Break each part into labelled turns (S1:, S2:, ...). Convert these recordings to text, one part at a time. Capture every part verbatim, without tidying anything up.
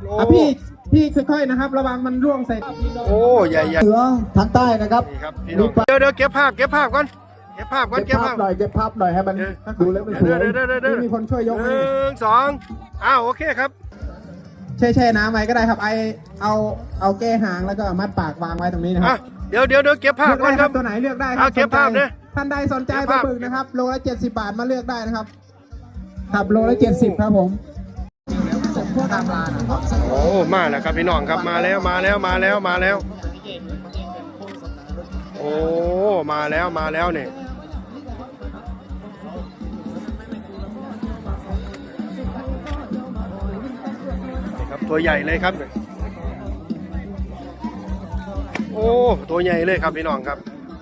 S1: อ่ะพี่พี่ค่อยๆนะครับระวังมันร่วงใส่
S2: โอ้ใหญ่ใหญ่
S3: เหนือทางใต้นะครับ
S2: นี่ครับพี่น้องเดี๋ยวเดี๋ยวเก็บภาพเก็บภาพก่อนเก็บภาพก่อน
S3: เก็
S2: เก็
S3: บบ ภา
S2: ภา
S3: พ
S2: พ
S3: หน่อยเก็บภาพหน่อยให้มันดูแล้วมันสวย
S2: เดี๋ยวเดี๋ยวเดี๋ยวเดี๋ยว
S1: มีคนช่วยยก
S2: ห
S1: ให้
S2: นึ่งสองอ้าวโอเคครับ
S1: แช่แช่น้ำไว้ก็ได้ครับไอเอาเอาแก้หางแล้วก็มัดปากวางไว้ตรงนี้นะค
S2: อ่ะ
S1: รับ
S2: เดี๋ยวเดี๋ยวเดี๋ยวเก็บภาพ
S1: เลือก
S2: ก่อ
S1: ได้
S2: น
S1: ค
S2: ค
S1: รั
S2: รั
S1: บบ ตัวไหนเลือกได้ครั
S2: เอาเก็บภาพเนี่ย
S1: ท่านใดสนใจ
S2: เก็บ
S1: ปลา
S2: ภาพ
S1: บึกนะครับโลละเจ็ดสิบบาทมาเลือกได้นะครับครับโลละเจ็ดสิบครับผมตามร้านนะครับ
S2: โอ้มาแล้วครับพี่น้องครับมาแล้วมาแล้วมาแล้วมาแล้วโอ้มาแล้วมาแล้วเนี่ยนี่ครับตัวใหญ่เลยครับโอ้ตัวใหญ่เลยครับพี่น้องครับ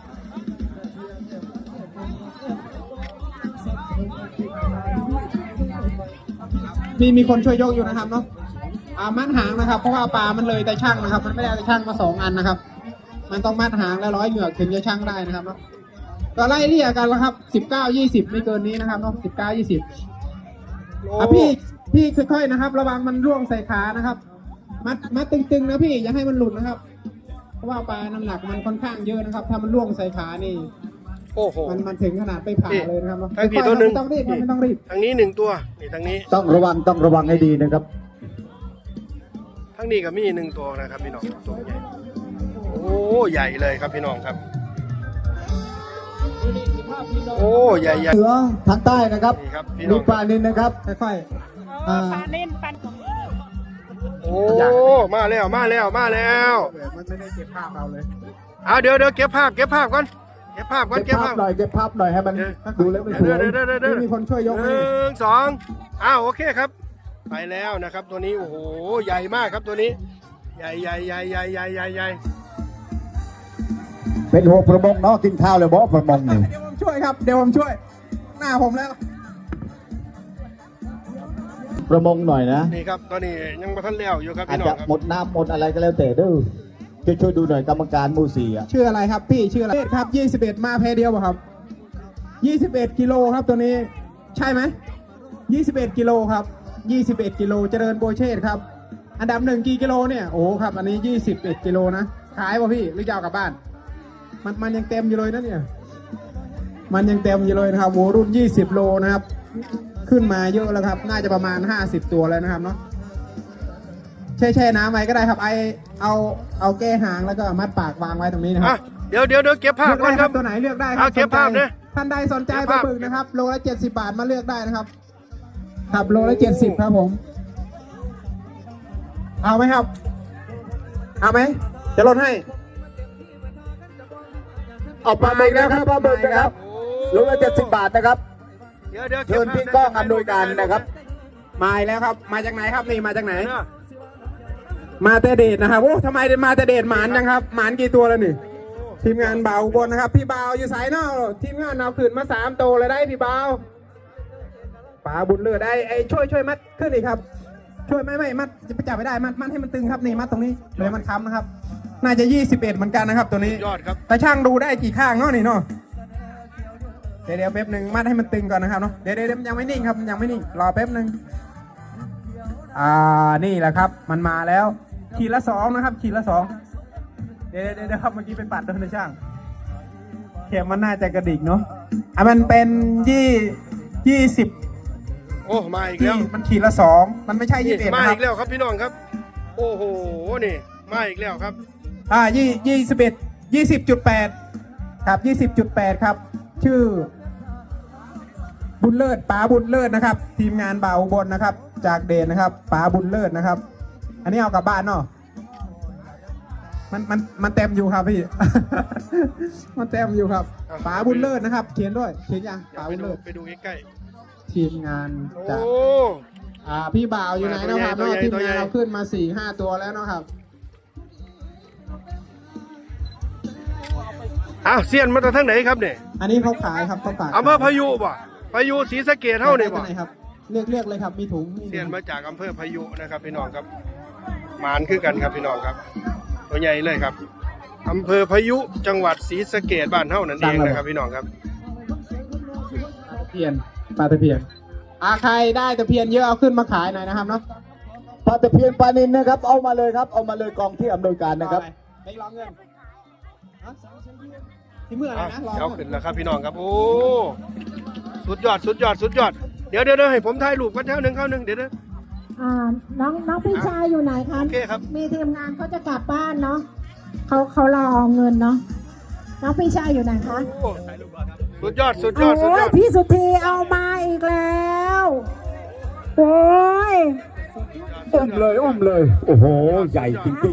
S1: มีมีคนช่วยยกอยู่นะครับเนาะอ่ามัดหางนะครับเพราะว่าปลามันเลยแต่ช่างนะครับ มันไม่ได้แต่ช่างมาสองอันนะครับ มันต้องมัดหางและร้อยเหงือกถึงจะช่างได้นะครับเนาะก็ไล่เรียกกันแล้วครับสิบเก้ายี่สิบไม่เกินนี้นะครับเนาะสิบเก้ายี่สิบอ่ะพี่พี่ค่อยๆนะครับ ระวังมันร่วงใส่ขานะครับ มัดมัดตึงๆนะพี่อย่าให้มันหลุดนะครับ เพราะว่าปลาน้ำหนักมันค่อนข้างเยอะนะครับ ถ้ามันร่วงใส่ขานี่
S2: โอ้โห
S1: มันมันถึงขนาดไปผ่าเลยนะครับเนาะ
S2: ทั้งกี่ตัวหนึ่ง
S1: ไม่ต้องรีบไม่ต้องรีบ
S2: ทางนี้หนึ่งตัวนี่ทางนี้
S3: ต้องระวังต้องระวังให้ดีนะครับ
S2: ทางนี้ก็มีหนึ่งตัวนะครับพี่น้องตัวใหญ่โอ้ใหญ่เลยครับพี่น้องครับโอ้ใหญ่ใหญ่
S3: เหนือทางใต้นะครับ
S2: นี่ครับพี่น้
S3: มี
S2: อง
S3: ปลานินนะครับ
S1: ค่อยๆอ่า
S4: ปลาเล่นปลา
S2: โอ้มาแล้วมาแล้วมาแล้ว
S1: มันไม่ได้เก็บภาพเราเลย
S2: เอาเดี๋ยวเดี๋ยวเก็บภาพเก็บภาพก่อนเก็บภาพก่อน
S3: เก็
S2: เก็
S3: บบ ภา
S2: ภา
S3: พ
S2: พ
S3: หน่อยเก็บภาพหน่อยให้มันดูแล้วมันสวย
S2: เดี๋ยวเดี๋ยวเดี๋ยวเดี๋ยว
S1: มีคนช่วยยก
S2: ห
S1: ให้
S2: นึ่งสองอ้าวโอเคครับ ไปแล้วนะครับตัวนี้โอ้โหใหญ่มากครับตัวนี้ ใหญ่ใหญ่ใหญ่ใหญ่ใหญ่ใหญ่ใหญ่
S3: เป็นหัวประมงเนาะกินข้าวเลยบ่ประมงนี่
S1: เดี๋ยวผมช่วยครับเดี๋ยวผมช่วย หน้าผมแล้ว
S3: ประมงหน่อยนะ
S2: นี่ครับตอนนี้ยังมาทันแล้วอยู่ครับ
S3: อาจ
S2: พี่น้อ
S3: จะ
S2: งครับ
S3: หมดน้ำหมดอะไรก็แล้วแต่เด้อช่วยช่วยดูหน่อยกรรมการหมู่สี่อ่ะ
S1: ชื่ออะไรครับพี่ชื่ออะไรครับยี่สิบเอ็ดมาแพเดียวป่ะครับยี่สิบเอ็ดกิโลครับตัวนี้ ใช่ไหมยี่สิบเอ็ดกิโลครับยี่สิบเอ็ดกิโลเจริญโบเชตครับอันดับหนึ่งกี่กิโลเนี่ยโอ้ครับอันนี้ยี่สิบเอ็ดกิโลนะขายป่ะพี่หรือจะเอากลับบ้าน มันมันยังเต็มอยู่เลยนะเนี่ยมันยังเต็มอยู่เลยนะครับโวรุ่นยี่สิบโลนะครับขึ้นมาเยอะแล้วครับน่าจะประมาณห้าสิบตัวแล้วนะครับเนาะแช่แช่น้ำไว้ก็ได้ครับไอเอาเอาแก้หางแล้วก็มัดปากวางไว้ตรงนี้นะค
S2: อ่ะ
S1: รับ
S2: เดี๋ยวเดี๋ยวเดี๋ยวเก็บภาพ
S1: เลือก
S2: ก่อ
S1: ได้
S2: น
S1: ค
S2: ค
S1: รั
S2: รั
S1: บบ ตัวไหนเลือกได้ครั
S2: เอาเก็บภาพ
S1: สนใจ
S2: เนี่ย
S1: ท่านใดสนใจ
S2: เก็บ
S1: ปลา
S2: ภาพ
S1: บึกนะครับโลละเจ็ดสิบบาทมาเลือกได้นะครับครับโลละเจ็ดสิบครับผมเอาไหมครับเอาไหมจะลดให้
S3: เอาปลาหมึกนะครับปลาหมึกนะครับโลละเจ็ดสิบบาทนะครับ
S2: เดี๋ยวเดี๋ยว
S3: เชิญพี่ก้องอำนวยการนะครับ
S1: มาอีกแล้วครับ มาจากไหนครับนี่มาจากไหน
S2: เนอะ
S1: มาแต่เดชนะครับโอ้ทำไมมาแต่เดชหมานจังครับหมานกี่ตัวแล้วนี่ ทีมงานเบาอุบนนะครับ พี่เบาอยู่สายนอกทีมงานเอาขึ้นมาสามโตวเลยได้พี่เบาป๋าบุญเลือดได้ไอ้ช่วยช่วยมัดขึ้นอีกครับ ช่วยไม่ไม่มัดจะไปจับไม่ได้มัดมัดให้มันตึงครับนี่มัดตรงนี้เลยมันค้ำนะครับ น่าจะยี่สิบเอ็ดเหมือนกันนะครับ ตัวนี้
S2: ยอดครับ
S1: แต่ช่างดูได้กี่ข้างเนาะนี่เนาะเดี๋ยวเดี๋ยวแป๊บหนึ่งมัดให้มันตึงก่อนนะครับเนาะเดี๋ยวเดี๋ยวเดี๋ยวมันยังไม่นิ่งครับมันยังไม่นิ่งรอแป๊บหนึ่งอ่านี่แหละครับ มันมาแล้วขีดละสองนะครับขีดละสองเดี๋ยวเดี๋ยวเดี๋ยวครับเมื่อกี้ไปปัดโดนในช่างเข็มมันน่าจะกระดิกเนาะอ่ะมันเป็นยี่ยี่สิบ
S2: โอ้มาอีก
S1: ที่
S2: แล้ว
S1: มันขีดละสองมันไม่ใช่ยี่สิบเอ็ด
S2: มา
S1: นะครั
S2: อี
S1: บ
S2: กแล้วครับพี่น้องครับ โอ้โหนี่มาอีกแล้วครับ
S1: อ่ายี่ยี่สิบเอ็ดยี่สิบจุดแปดครับยี่สิบจุดแปดครับ ชื่อ บุญเลิศป๋าบุญเลิศนะครับ ทีมงานบ่าวอุบลนะครับ จากเดนนะครับป๋าบุญเลิศนะครับ อันนี้เอากลับบ้านเนาะมันมันมันเต็มอยู่ครับพี่ มันเต็มอยู่ครับป๋าบุญเลิศนะครับ เขียนด้วยเขียนยัง
S2: เดี๋ยว
S1: ป๋า
S2: ไป
S1: บุญ
S2: ดู
S1: เลิศ
S2: ไปดูใกล้
S1: ทีมงาน
S2: ๆโอ้
S1: จากอ่าพี่บ่าวอยู่ไหนเนาะครับ
S2: ตัว
S1: เนาะ
S2: ใหญ่
S1: ทีม
S2: ตัวใหญ่
S1: งานเราขึ้นมาสี่ห้าตัวแล้วเนาะครับ
S2: อ้าวเซียนมาจากทางไหนครับเนี่ย
S1: อันนี้เขาขายครับเขาขาย
S2: อำเภอพายุบ่พายุศรีสะเกษเท่านี่บ่
S1: ไหนครับเลือกเลือกเลยครับมีถุงมี
S2: เซียนมาจากอำเภอพายุนะครับพี่น้องครับหมานคือกันครับพี่น้องครับ ตัวใหญ่เลยครับอำเภอพายุจังหวัดศรีสะเกษบ้านเท่านั่นเองนะครับพี่น้องครับ
S1: ตะเพียนปลาตะเพียนอาใครได้ตะเพียนเยอะเอาขึ้นมาขายหน่อยนะครับเนาะ
S3: ปลาตะเพียนปลานินนะครับ เอามาเลยครับ เอามาเลยกองที่อำนวยการนะครับ
S1: ไปรอเงินฮะที่เมื่ออะไร
S2: อ่ะ
S1: นะรอ
S2: เดี๋ยวขึ้นแล้วครับพี่น้องครับโอ้สุดยอดสุดยอดสุดยอดเดี๋ยวเดี๋ยวเดี๋ยวให้ผมถ่ายรูปกันเท่าหนึ่งเข้าหนึ่งเดี๋ยวเดี๋ยว
S4: อ่าน้องน้องพี่ชายอยู่ไหนคะ
S2: โอเคครับ
S4: มีทีมงานเขาจะกลับบ้านเนาะเขาเขารอเงินเนาะน้องพี่ชายอยู่ไหนคะ
S2: โอ้สุดยอดสุดยอดสุด
S4: โอ้
S2: ย
S4: ย
S2: อด
S4: พี่สุธีเอามาอีกแล้วโอ้ย
S3: อุ้มเลยอุ้มเลย โอ้โห ใหญ่จริง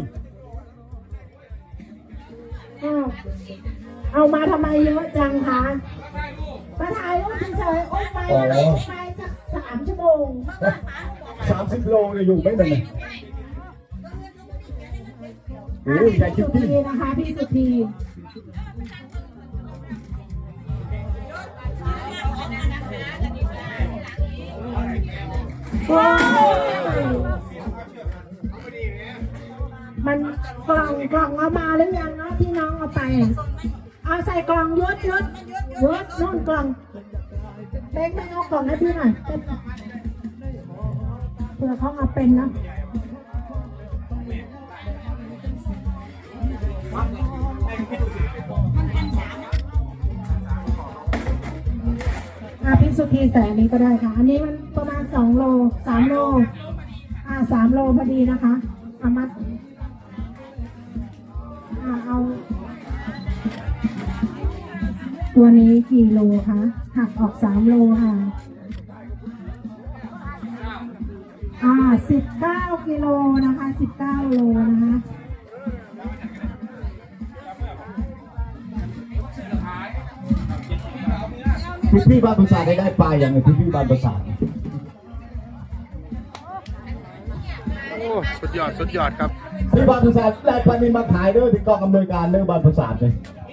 S4: อ้าวเอามาทำไมเยอะจังคะมาถ่ายรูปเฉยๆโอ้ยไปอะไรไปสักสามชั่วโมง
S3: ๆสามสิบโลเลยอยู่ไม่เป็นไรโอ้ยใหญ่จ
S4: สุ
S3: ริง
S4: ธีนะคะพี่สุธีว้าวมันกล่องกล่องเอามาหรือยังเนาะที่น้องเอาไป เอาใส่กล่องยศยศยศนู่นกล่องเล็กไม่เอากล่องให้พี่หน่อยเผื่อเขาเอาเป็นนะอ่ะพี่สุธีใส่อันนี้ก็ได้ค่ะ อันนี้มันประมาณสองโลสามโลอ่าสามโลพอดีนะคะเอามาอ่าเอา ตัวนี้กี่โลคะหักออกสามโลค่ะ อ่าสิบเก้ากิโลนะคะสิบเก้าโลนะคะ
S3: ๆพี่พี่บ้านประสาทได้ได้ปลาอย่างไงพี่พี่บ้านประสาท
S2: โอ้สุดยอดสุดยอดครับ
S3: พี่บ้านประสาทได้ปลานินมาขายด้วยที่กองอำนวยการเรื่องบ้านประสาทเลย